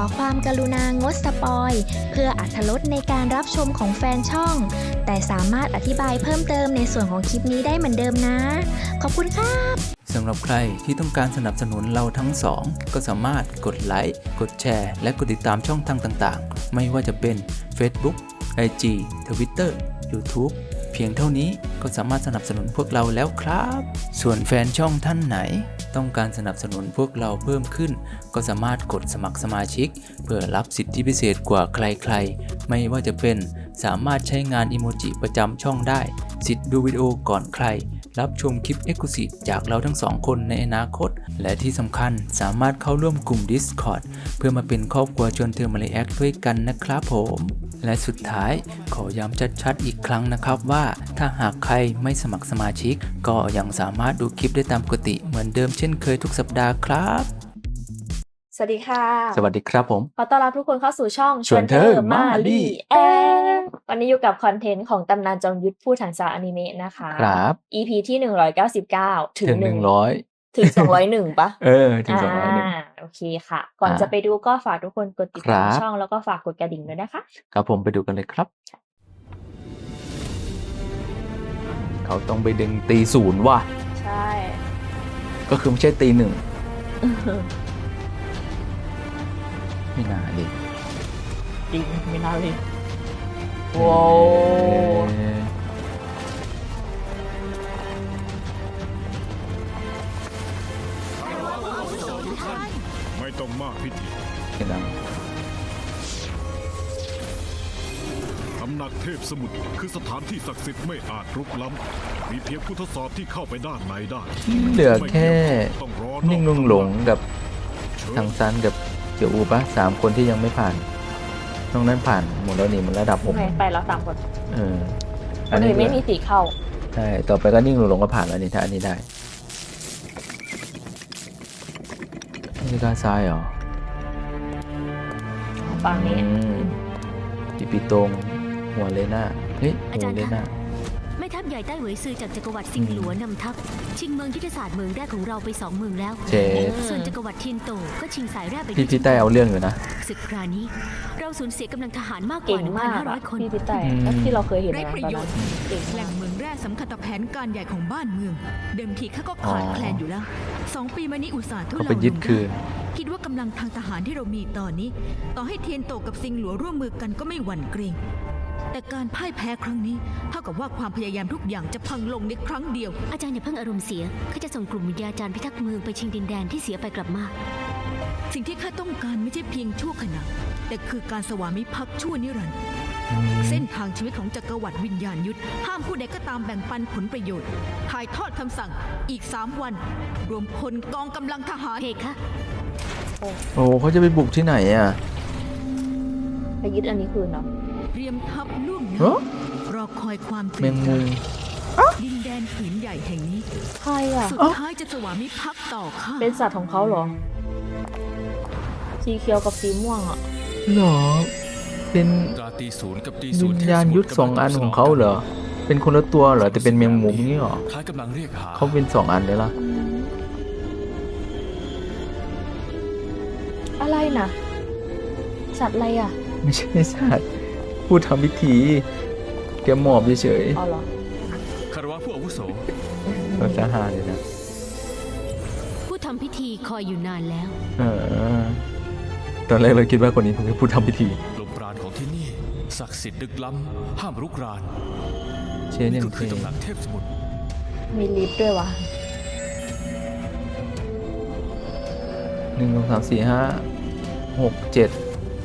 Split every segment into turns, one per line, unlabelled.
ความกรุณางดสปอยเพื่ออรรถรสในการรับชมของแฟนช่องแต่สามารถอธิบายเพิ่มเติมในส่วนของคลิปนี้ได้เหมือนเดิมนะขอบคุณครับ
สำหรับใครที่ต้องการสนับสนุนเราทั้งสองก็สามารถกดไลค์กดแชร์และกดติดตามช่องทางต่างๆไม่ว่าจะเป็น Facebook IG Twitter YouTube เพียงเท่านี้ก็สามารถสนับสนุนพวกเราแล้วครับส่วนแฟนช่องท่านไหนต้องการสนับสนุนพวกเราเพิ่มขึ้นก็สามารถกดสมัครสมาชิกเพื่อรับสิทธิพิเศษกว่าใครๆไม่ว่าจะเป็นสามารถใช้งานอิโมจิประจำช่องได้สิทธิ์ดูวิดีโอก่อนใครรับชมคลิป Exclusive จากเราทั้งสองคนในอนาคตและที่สำคัญสามารถเข้าร่วมกลุ่ม Discord เพื่อมาเป็นครอบครัวชวนเธอมาเลแอคด้วยกันนะครับผมและสุดท้ายขอย้ำชัดๆอีกครั้งนะครับว่าถ้าหากใครไม่สมัครสมาชิกก็ยังสามารถดูคลิปได้ตามปกติเหมือนเดิมเช่นเคยทุกสัปดาห์ครับ
สวัสดีค่ะ
สวัสดีครับผม
ขอต้อนรับทุกคนเข้าสู่ช่อง
ชวนเธอมาลี่
วันนี้อยู่กับคอนเทนต์ของตำนานจอมยุทธผู้ถังสารอนิเมะนะคะ
ครับ
EP ที่199ถึง
100
ถึง201ปะ
ถึง201
โอเคค่ะก่อนจะไปดูก็ฝากทุกคนกดติดตามช่องแล้วก็ฝากกดกระดิ่งด้วยนะคะ
ครับผมไปดูกันเลยครับเขาต้องไปดึงตีศูนย์ว่ะ
ใช่
ก็คือไม่ใช่ตีหนึ่งไม่น่าดิ
จริงไม่น่าเลยว้าว
ไม่ต้องมากพิธี
เห็นไหม
ตำหนักเทพสมุทรคือสถานที่ศักดิ์สิทธิ์ไม่อาจรุกล้ำมีเพียงผู้ทดสอบที่เข้าไปด้านในได้
เหลือแค่นิ่งลุงหลงกับทางซันกับเจียวอูปะ3 คนที่ยังไม่ผ่านนอกนั้นผ่านหมดแล้วนี่มันระดับผม
ไปแล้ว3 คน
อันนี้
ไม่มีสีเข้า
ใช่ต่อไปก็นิ่งลุงหลงก็ผ่านแล้วนี่ถ้าอันนี้ได้นี่ด้านซ้ายเหรอ
ฝั่งนี้
ปีตรงหัวเลน่าเฮ้ยหัวเลน่า
แม่ทัพใหญ่ใต้เหวยซือจากจักรวรรดิซิงหลัวนำทัพชิงเมืองยุทธศาสตร์เมืองแรกของเราไป2 เมืองแล้วส่วนจักรวรรดิเทียนโตก็ชิงสายแรกไป
พี่ใต้เอาเรื่องอยู่นะ
ศึกคราวนี้เราสูญเสียกำลังทหารมากกว่า 1,500 คน
พี่ใต้ที่เราเคยเห็น
ได้ประโยชน์แหล่งเมืองแร่สำคัญต่อแผนการใหญ่ของบ้านเมืองเดิมทีข้าก็ขาดแคลนอยู่แล้ว2 ปีมานี้อุตส่าห์ทุเลาลงคิดว่ากำลังทางทหารที่เรามีตอนนี้ต่อให้เทียนโตกับซิงหลัวร่วมมือกันก็ไม่หวั่นเกรงแต่การพ่ายแพ้ครั้งนี้เท่ากับว่าความพยายามทุกอย่างจะพังลงในครั้งเดียว
อาจารย์อย่าเพิ่งอารมณ์เสียข้าจะส่งกลุ่มวิทยาจารย์พิทักษ์เมืองไปชิงดินแดนที่เสียไปกลับมา
สิ่งที่ข้าต้องการไม่ใช่เพียงชั่วขณะแต่คือการสวามิภักดิ์ชั่วนิรันดร์เส้นทางชีวิตของจักรวรรดิวิญญาณยุทธห้ามผู้ใดก็ตามแบ่งปันผลประโยชน์ถ่ายทอดคำสั่งอีก3 วันรวมพลกองกำลังทหาร
เพคะ
โอ้เขาจะไปบุกที่ไหนอ่ะ
ไปยึดอันนี้คืนเนาะ
เตรียมทัพล่วงหน้ารอคอยความ
เมงมุม
ดินแดนผืนใหญ่แห่งนี้
ใครอ่ะ
สุดท้ายจะสวามิภักดิ์ต่อข้า
เป็นสัตว์ของเขาเหรอสีเขียวกับสีม่วงอ่ะ
เหรอเป็นวิญญาณยุทธ2 อันของเขาเหรอเป็นคนละตัวเหรอแต่เป็นเมงมุมนี่หรอเขาเป็น2 อันเลยล่ะ
อะไรนะสัตว์อะไรอ่ะ
ไม่ใช่สัตว์ผู้ทำพิธีแกหมอบเฉย
ๆอ๋อเหรอ
คารวะผู้อาวุโส
เราจะหาเลยนะ
ผู้ทำพิธีคอยอยู่นานแล้ว
ตอนแรกเราคิดว่าคนนี้คือผู้ทำพิธี
ลมปราณของที่นี่ศักดิ์สิทธิ์ลึกล้ำห้ามรุกราน
เช่นอย่าง
คือตำหนักเทพสมุทร
มีลิฟต์ด้วยวะ
1 2 3 4 5 6 7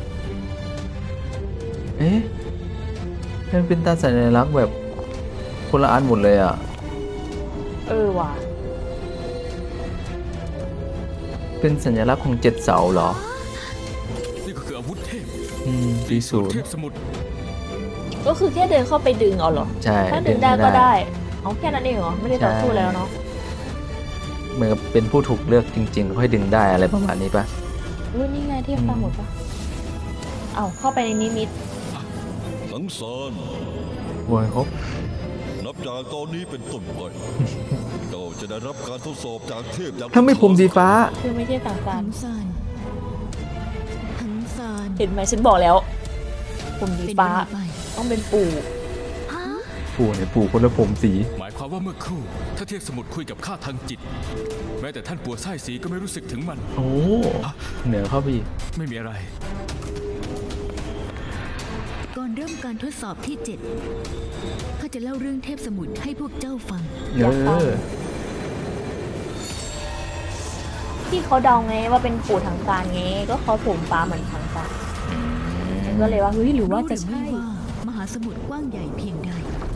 มันเป็นตาสัญลักษณ์แบบคนละอันหมดเลยอ่ะ
ว่ะ
เป็นสัญลักษณ์ของ7 เสาเหรอ
นี่ก็คืออาวุธเทพ
ตีศูนย์
เทพสมุทร
ก็คือแค่เดินเข้าไปดึงเอาเหรอ
ใช่
ถ้าดึงได้ก็ได้เอาแค่นั้นเองเหรอไม่ได้ต่อสู้แล้วเนาะ
เหมือนกับเป็นผู้ถูกเลือกจริงๆค่อยดึงได้อะไรประมาณนี้ป่ะ
นี่ไงเทพตาหมดป่ะเข้าไปในนิมิต
สังสาร
โวยครับ
นับจากตอนนี้เป็นต้นไปเจ้าจะได้รับการทดสอบจากเทพอย่าง
ถ้าไม่ผมสีฟ้า
คือไม่ใช่สังสาร
สังส
เห็นไหมฉันบอกแล้วผมสี
เป็น
ฟ้า
เวลาไป
ต้องเป็นปู่
ฮะ
ปู่เนี่ยปู่คนละผมสี
หมายความว่าเมื่อครู่ถ้าเทพสมุทรคุยกับข้าทางจิต แม้แต่ท่านปัวไส้สีก็ไม่รู้สึกถึงมัน
โอ้เหนือเข้าไปอีก
ไม่มีอะไร
ก่อนเริ่มการทดสอบที่ 7ข้าจะเล่าเรื่องเทพสมุทรให้พวกเจ้าฟัง
อยากฟัง ที่เขาเดาไงว่าเป็นปู่ทางการไงก็เขาผมฟ้าเหมือนทางการก็เลยว่าเฮ้ยหรือว่าจะ
รู้หรือ
ใช่
ไม่ว่ามหาสมุทรกว้างใหญ่เพียงใด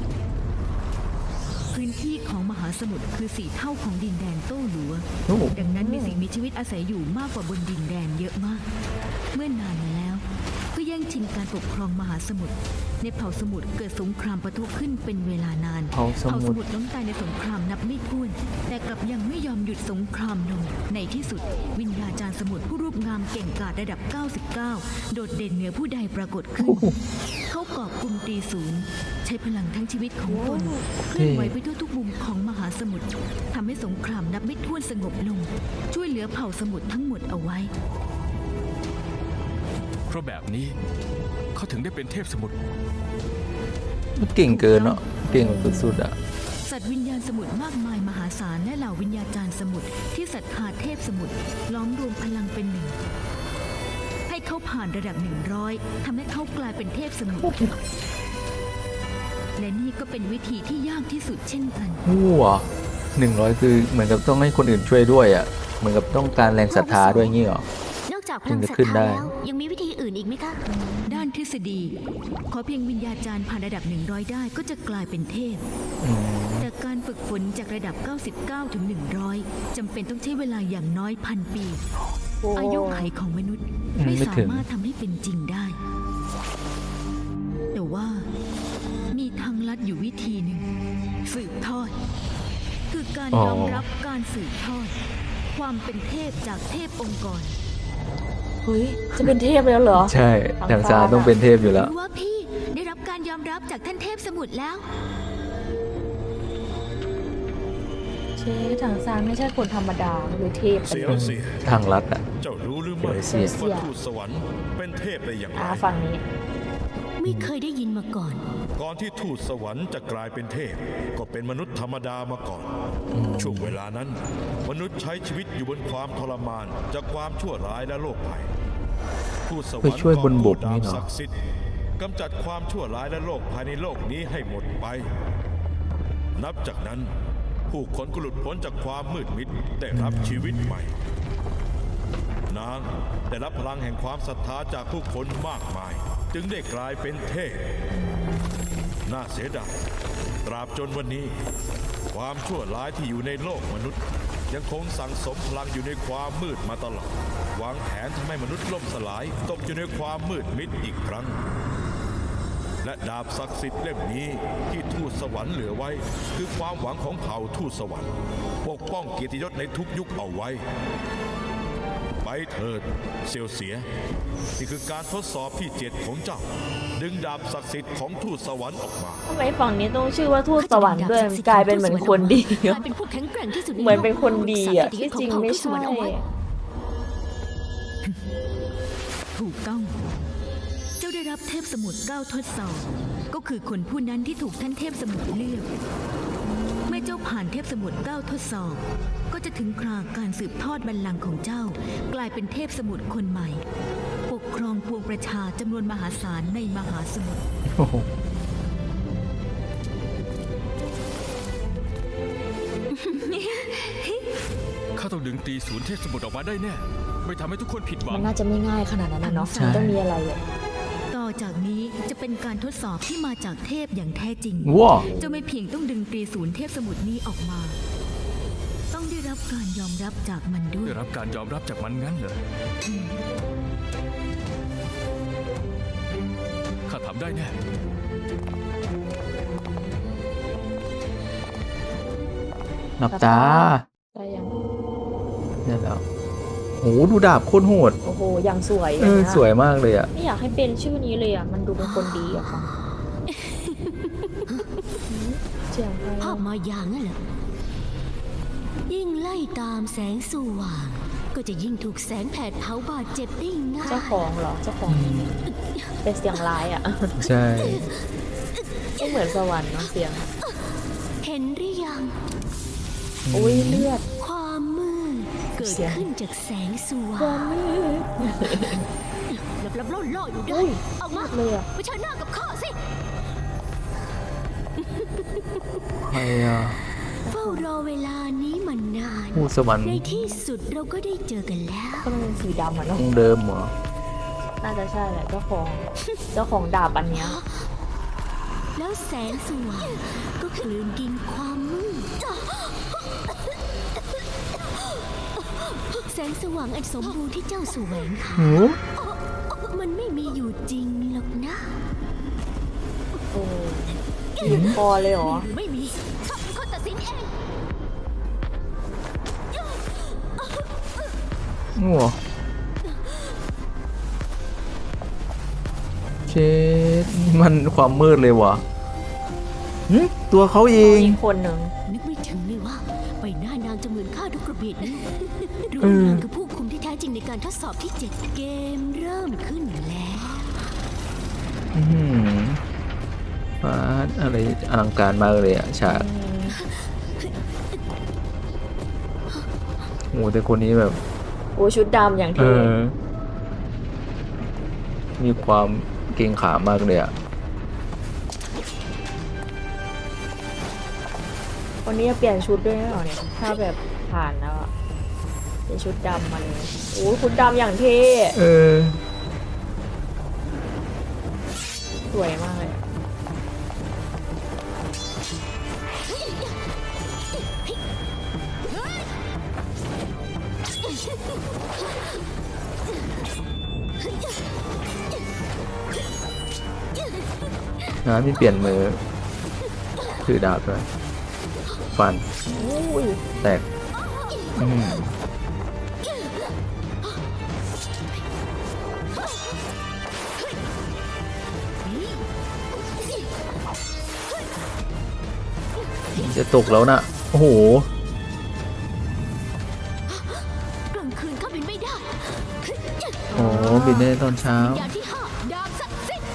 พื้นที่ของมหาสมุทรคือ4 เท่าของดินแดนโต้หลัว
โอ้
ดังนั้นมีสิ่งมีชีวิตอาศัยอยู่มากกว่าบนดินแดนเยอะมาก เมื่อนานมาแล้ว ก็แย่งชิงการปกครองมหาสมุทร ในเผ่าสมุทรเกิดสงครามปะทุขึ้นเป็นเวลานาน
เผาสมุทร
ล้มตายในสงครามนับไม่ถ้วน แต่กลับยังไม่ยอมหยุดสงครามลง ในที่สุด วิญญาจารย์สมุทรผู้รูปงามเก่งกาจระดับ 99 โดดเด่นเหนือผู้ใดปรากฏขึ้น เขากอบกุมตีศูนย์ใช้พลังทั้งชีวิตของตนเคลื่อนไหวไปทั่วทุกมุมของมหาสมุทรทำให้สงครามนับไม่ถ้วนสงบลง ช่วยเหลือเผ่าสมุทรทั้งหมดเอาไว้
เพราะแบบนี้เขาถึงได้เป็นเทพสมุทร
มันเก่งเกินเนาะเก่งแบบสุดๆอ่ะ
สัตว์วิญญาณสมุทรมากมายมหาศาลและเหล่าวิญญาจารย์สมุทรที่ศรัทธาเทพสมุทรล้อมรวมพลังเป็นหนึ่ง ให้เขาผ่านระดับ 100ทำให้เขากลายเป็นเทพสมุทรและนี่ก็เป็นวิธีที่ยากที่สุดเช่นกัน
ว้า100คือเหมือนกับต้องให้คนอื่นช่วยด้วยอ่ะเหมือนกับต้องการแรงศรัทธาด้วยงี้เหรอ
นอกจากพลังศรัท
ขึ้น
ธา
ได้
แล้วยังมีวิธีอื่นอีกไหมคะ
ด้านทฤษฎี ขอเพียงวิญญาจารย์ผ่านระดับ 100 ได้ก็จะกลายเป็นเทพ
อืม
แต่การฝึกฝนจากระดับ 99 ถึง 100 จำเป็นต้องใช้เวลาอย่างน้อย1,000 ปี
โอ้
อายุไขของมนุษย์ไม่สามารถทำให้เป็นจริงได้ แต่ว่ามีทางลัดอยู่วิธีหนึ่ง สืบทอด คือการยอมรับการสืบทอด ความเป็นเทพจากเทพองค์กร
เฮ้ยจะเป็นเทพแล้วเหรอ
ใช่ทางซาต้องเป็นเทพอยู่แล้ว
รู้ว่าพี่ได้รับการยอมรับจากท่านเทพสมุทรแล้ว
เชทางซานไม่ใช่คนธรรมดาหรือเทพ
เสียวเสีย
ทางลัดอ่ะ
เจ้ารู้หรือไม่
เสีย
ว่าทูตสวรรค์เป็นเทพได้อย่างไร
ฝั่งนี้
ไม่เคยได้ยินมาก่อน
ก่อนที่ทูตสวรรค์จะกลายเป็นเทพ ก็เป็นมนุษย์ธรรมดามาก่อน ช่วงเวลานั้น มนุษย์ใช้ชีวิตอยู่บนความทรมานจากความชั่วร้ายและโรคภัยทูตสวรร
ไป
ค์
ช่วยบนบก
ดา
นี่
บ
เหรอ
ศักดิ์สิทธิ์กำจัดความชั่วร้ายและโรคภัยในโลกนี้ให้หมดไป นับจากนั้น ผู้คนก็หลุดพ้นจากความมืดมิดได้รับชีวิตใหม่ นางได้รับพลังแห่งความศรัทธาจากผู้คนมากมาย จึงได้กลายเป็นเทพ น่าเสียดายตราบจนวันนี้ ความชั่วร้ายที่อยู่ในโลกมนุษย์ ยังคงสั่งสมพลังอยู่ในความมืดมาตลอดวางแผนทำให้มนุษย์ล่มสลายตกอยู่ในความมืดมิดอีกครั้ง และดาบศักดิ์สิทธิ์เล่มนี้ที่ทูตสวรรค์เหลือไว้ คือความหวังของเผ่าทูตสวรรค์ปกป้องเกียรติยศในทุกยุคเอาไว้ ไปเถิดเซียวเสียนี่คือการทดสอบที่7ของเจ้า ดึงดาบศักดิ์สิทธิ์ของทูตสวรรค์ออกมา
ทำไมฝั่งนี้ต้องชื่อว่าทูตสวรรค์ด้วยกลายเป็นเหมือนคนดี
กลายเป็นผู้แข็งแกร่งที่สุดใ
เหมือนเป็นคนดี
โลก
อ่ะ
รักษา
ที่จริง
เกีย
ไม่
ติยศของ
ใช่
เผ่าทูตสวรรค์เอาไว้
ถูกต้อง เจ้าได้รับเทพสมุทร9ทดสอบ ก็คือคนผู้นั้นที่ถูกท่านเทพสมุทรเลือก เมื่อเจ้าผ่านเทพสมุทร9ทดสอบ ก็จะถึงคราการสืบทอดบัลลังก์ของเจ้า กลายเป็นเทพสมุทรคนใหม่ ปกครองปวงประชาจำนวนมหาศาลในมหาสมุทร
โอ้โห
ข้าต้องดึงตีศูนย์เทพสมุทรออกมาได้แน่ ไม่ทำให้ทุกคนผิดหวั
มั
ง
นน่าจะไม่ง่ายขนาดนั้นนะเนาะมันต้องมีอะไรอ่ะ
ต่อจากนี้จะเป็นการทดสอบที่มาจากเทพอย่างแท้จริง
ว้า
เจ้าไม่เพียงต้องดึงตรีศูนย์เทพสมุทรนี้ออกมา ต้องได้รับการยอมรับจากมันด้วย
ได้รับการยอมรับจากมันงั้นเหรอข้าทำได้แน่
หลับตา
ได้ยัง
เนี่ยแล้วโหดูดาบโคตรโหด
โอ้โหยังสวย
สวยมากเลยอ่ะ
ไม่อยากให้เป็นชื่อนี้เลยอ่ะมันดูเป็นคนดีอ่ะฟังเจียงไป
ภาพมายางั้นเหรอ ยิ่งไล่ตามแสงสว่างก็จะยิ่งถูกแสงแผดเผาบาดเจ็บได้ง่าย
เจ้าของเหรอเจ้าของเป็นเสียงร้ายอ่ะ
ใช่
ไม่เหมือนสวรรค์เนาะเสียง
เห็นหรือยัง
อุ้ยเลือด
ความมืดเกิด
เสียง
ขึ้นจากแสงสว่างลับๆล่อๆอยู่ได้
อุ้ย
ออกมา
เลยอ่ะ
เผชิญหน้ากับข้าสิ
ใครอ่ะ
เฝ้ารอเวลานี้มานาน
ผู้สวรรค์
ในที่สุดเราก็ได้เจอกันแล้ว
ก็มันเป็นสีดำอ่ะเนาะ
องค์เดิมเหรอ
น่าจะใช่แหละเจ้าของดาบอันเนี้ย
แล้วแสงสว่างก็กลืนกินความมืดแสงสว่างอันสมบูรณ์ที่เจ้าแสวงหามันไม่มีอยู่จริงหรอกนะ
โอ้บีบคอเลยเหรอ
หรือไม่มีข้าเป็นคนตัดสินเอง
งัวเชดมันความมืดเลยวะหึตัวเขาเอง
อีกคนหนึ่ง
นึกไม่ถึงเลยว่าใบหน้านางจะเหมือนข้าทุกกระเบียดนิ้วรู้
เออ
นางคือผู้คุมที่แท้จริงในการทดสอบที่ 7 เกมเริ่มขึ้นแล้ว
อื้อหือฟ้าอะไรอลังการมากเลยอะฉากโอ้แต่คนนี้แบบ
โอ้ชุดดำอย่าง
เอ
ที่
อ มีความเกรงขามากเลยอะ
วันนี้จะเปลี่ยนชุดด้วยหรือเปล่าเนี่ยถ้าแบบผ่านแล้วอะเป็นชุดดำมาเลยโอ้ชุดดำอย่างเท่
เออ
สวยมากเลยอะ
นะมีเปลี่ยนมือถือดาบด้วยฟัน
อุ้ย
แตกอืมจะตกแล้วนะโอ้โห
กลางคืนข้าบินไม่ได้
โอ้บินได้ตอนเช้า
อย่างที่ 5 ดาบศักดิ์สิทธิ์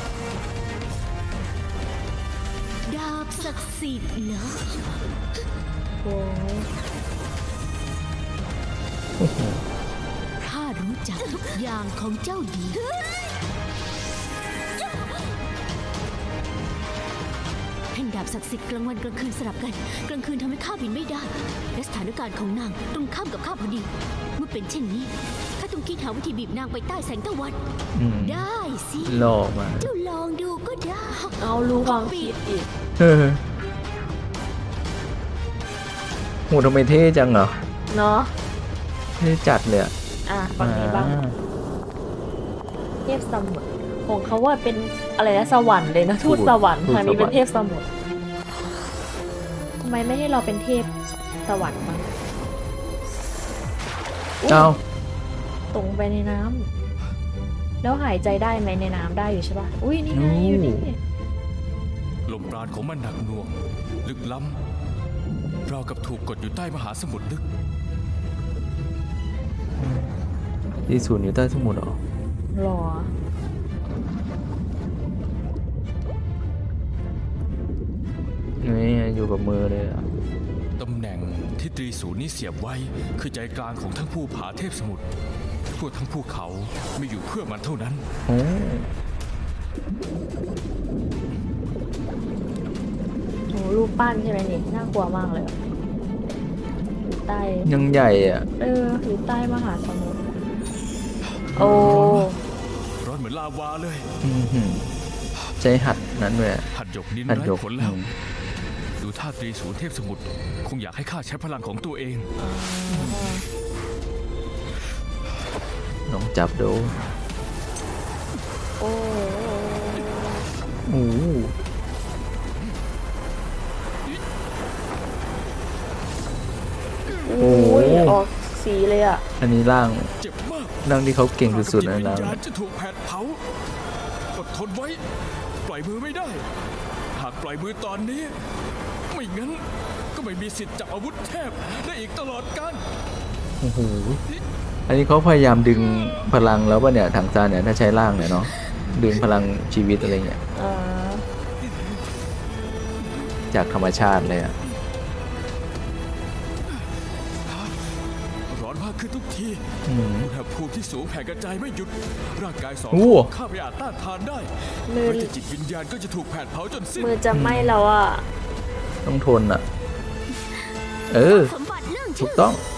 ดาบศักดิ์สิทธิ์เหรอ
โอ้ย
ข้ารู้จักทุกอย่างของเจ้าดีแท่งดาบศักดิ์สิทธิ์กลางวันกลางคืนสลับกัน กลางคืนทำให้ข้าบินไม่ได้ และสถานการณ์ของนางตรงข้ามกับข้าพอดี เมื่อเป็นเช่นนี้ข้าต้องคิดหาวิธีบีบนางไปใต้แสงตะวัน
อืม
ได้สิ
หล่อมา
เจ้าลองดูก็ได้
เอารู้ความคิดอีก
เออโหทำไมเท่จังเหรอ
เนาะ
เท่จัดเลยอะ
อ่ะฝั่งนี้บ้าง
อ่า
เทพสมุทรของเขาว่าเป็นอะไรนะสวรรค์เลยนะทูตสวรรค์ทางนี้เป็นเทพสมุทรทำไมไม่ให้เราเป็นเทพสวรรค์บ้างอุ๊ย
เอา
ตรงไปในน้ำแล้วหายใจได้ไหมในน้ำได้อยู่ใช่ปะอุ้ยนี่ไงอยู่นี่
ลมปราณของมันหนักหน่วง ลึกล้ำเราวกับถูกกดอยู่ใต้มหาสมุทรลึก
ที่ศูนย์อยู่ใต้สมุทรเหรอ
หรอ
นี่อยู่กับมือเลยอะ
ตำแหน่งที่ตรีศูนย์นี้เสียบไว้ คือใจกลางของทั้งภูผาเทพสมุทรทั่วทั้งภูเขาไม่อยู่เพื่อมันเท่านั้น
โอ้
โหรูปปั้นใช่ไหมนี่น่ากลัวมากเลยอะอยู่ใต้
ยังใหญ่อ่ะ
อยู่ใต้มหาสมุทรโอ้
ร้อนเหมือนลาวาเลย
อื้อหือใจหัดนั้นเลยอะ
หัดหยกนิน
หัด
ไร้
หยก
ผลแล้ว
อืม
ดูท่าตรีศูนย์เทพสมุทรคงอยากให้ข้าใช้พลังของตัวเอง
ลองจับดู
โอ้
โอ้โห
โอ้ยออกสีเลยอ่ะ
อันนี้ร่าง
เจ็บมาก
ร่างที่เขาเก่งสุดๆนะ
วิญ
ร่าง
ญาณจะถูกแผดเผาอดทนไว้ ปล่อยมือไม่ได้ หากปล่อยมือตอนนี้ ไม่งั้นก็ไม่มีสิทธิ์จับอาวุธเทพได้อีกตลอดกาล
โอ้โหอันนี้เขาพยายามดึงพลังแล้วป่ะเนี่ยถังซานเนี่ยถ้าใช้ร่างเนี่ยเนาะดึงพลังชีวิตอะไรเงี้ย
อ่า
จากธรรมชาติเลยอ่ะ
ร้อนมากขึ้นทุกที
อืม
อุณหภูมิที่สูงแผ่กระจายไม่หยุด ร่างกายสอง
โอ้
ข้าไม่อาจต้านทานได้
มือ
แม้แต่จิตวิญญาณก็จะถูกแผดเผาจนสิ้น
มือจะไหม้แล้วอ่ะ
ต้องทนอ่ะ เออ
สมบัติเรื่อง
ถู
ชื่
ก
อ
ต้อง